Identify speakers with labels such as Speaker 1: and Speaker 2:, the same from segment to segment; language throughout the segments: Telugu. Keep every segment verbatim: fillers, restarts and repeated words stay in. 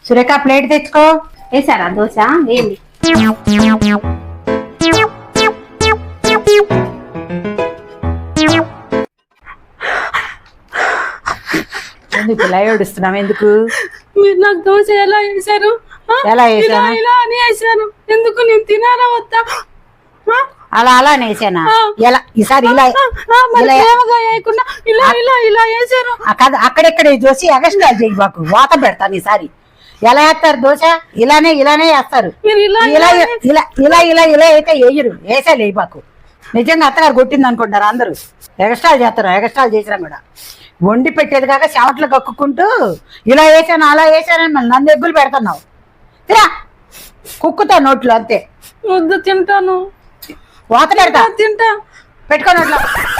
Speaker 1: సురేఖ ప్లేట్ తెచ్చుకో.
Speaker 2: వేసారా దోశ? ఏంది
Speaker 1: ఎందుకు ఇలా ఏడుస్తున్నావు? ఎందుకు?
Speaker 2: మీరు నాకు దోశ ఎలా వేసారు?
Speaker 1: ఎలా వేసాను?
Speaker 2: ఇలా అని వేసాను. ఎందుకు? నేను తినాలా వద్దా?
Speaker 1: అలా అలా వేసానా? ఎలా ఈసారి ఇలా
Speaker 2: వేయకుండా ఇలా ఇలా ఇలా వేసారు.
Speaker 1: అక్కడెక్కడ చూసి ఎగస్ట్రా చేయి మాకు వాత పెడతాను ఈసారి. ఎలా వేస్తారు దోశ? ఇలానే ఇలానే వేస్తారు. ఇలా ఇలా ఇలా ఇలా ఇలా అయితే వేయరు. వేసా లేవు మాకు. నిజంగా అత్తగారు కొట్టింది అనుకుంటారు అందరూ. ఎగస్ట్రాలు చేస్తారు. ఎగస్ట్రాలు చేసినా కూడా వండి పెట్టేది కాక చెమట్లు కక్కుకుంటూ ఇలా వేసాను అలా వేసానని మళ్ళీ నన్ను ఎగ్గులు పెడుతున్నావు. తిరా కుక్కుతా నోట్లో అంతే.
Speaker 2: వద్దు, తింటాను.
Speaker 1: వాత పెడతా.
Speaker 2: తింటా.
Speaker 1: పెట్టుకో నోట్లో.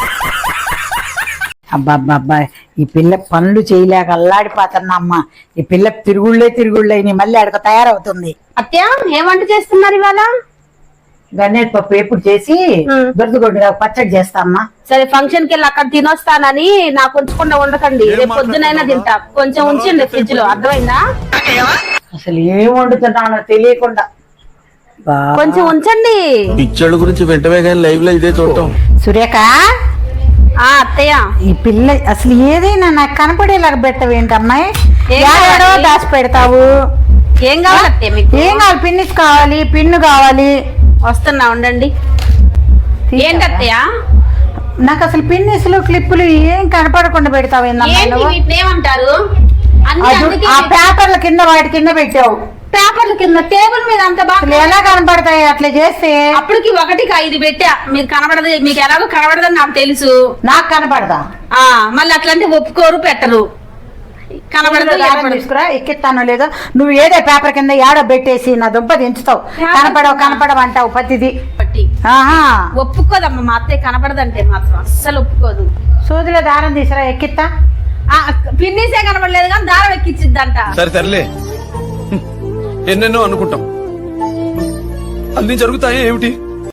Speaker 1: అబ్బాబ్బా ఈ పిల్ల పనులు చేయలేక అల్లాడిపోతున్నా అమ్మ. ఈ పిల్ల తిరుగుళ్ళే తిరుగుళ్ళే మళ్ళీ అడగ తయారవుతుంది.
Speaker 2: అత్య ఏం వంట చేస్తున్నారు ఇవాళ?
Speaker 1: గన్నేటి పప్పు ఎప్పుడు చేసి దొరదగొడ్డు పచ్చడి చేస్తా అమ్మా.
Speaker 2: సరే, ఫంక్షన్ కి వెళ్ళి అక్కడ తినొస్తానని నాకు ఉంచకుండా ఉండకండి. రేపు పొద్దునైనా తింటా. కొంచెం ఉంచండి ఫ్రిడ్జ్ లో. అర్థమైందా?
Speaker 1: అసలు ఏం వండుతున్నానో తెలియకుండా
Speaker 2: కొంచెం ఉంచండి.
Speaker 3: పిచ్చోళ్ళ గురించి వెంటనే కానీ లైవ్ లో ఇదే చూడటం.
Speaker 1: సురేఖ
Speaker 2: ఆ అత్తయ్య,
Speaker 1: ఈ పిల్ల అసలు ఏదైనా నాకు కనపడేలాగా పెట్టవేంటమ్మాయి? ఏడో దాచి పెడతావు.
Speaker 2: ఏం కావాలి అత్తయ్య మీకు?
Speaker 1: ఏం కావాలి? పిన్నిస్ కావాలి, పిన్ను కావాలి.
Speaker 2: వస్తున్నా, ఉండండి. ఏంటి అత్తయ్య?
Speaker 1: నాకు అసలు పిన్నిస్లు క్లిప్పులు ఏం కనపడకుండా పెడతావు.
Speaker 2: ఏమంటారు?
Speaker 1: ఆ పేపర్ల కింద వాటి కింద పెట్టావు.
Speaker 2: పేపర్ల కింద టేబుల్ మీద అంత బాగా
Speaker 1: ఎలా కనపడతాయి అట్లా చేస్తే?
Speaker 2: అప్పటికి ఒకటికి ఐదు పెట్టా. మీకు కనబడదు. మీకు ఎలాగో కనబడదని నాకు తెలుసు.
Speaker 1: నాకు కనపడదా?
Speaker 2: ఆ మళ్ళీ అట్లాంటి ఒప్పుకోరు, పెట్టరు. కనబడదు.
Speaker 1: తీసుకురా, ఎక్కిస్తానో లేదో. నువ్వు ఏదో పేపర్ కింద ఏడో పెట్టేసి నా దుంప దించుతావు. కనపడవు కనపడవు అంటావు పతిది.
Speaker 2: ఒప్పుకోదమ్మా మా అత్తయ్య. కనపడదంటే మాత్రం అస్సలు ఒప్పుకోదు.
Speaker 1: సూదిలో దారం తీసిరా, ఎక్కిస్తా.
Speaker 2: పిన్నిసే కనపడలేదు కానీ దారం ఎక్కిచ్చిద్దంట.
Speaker 3: సరే సర్లే, ఎన్నెన్నో అనుకుంటాం, అన్ని జరుగుతాయి ఏమిటి?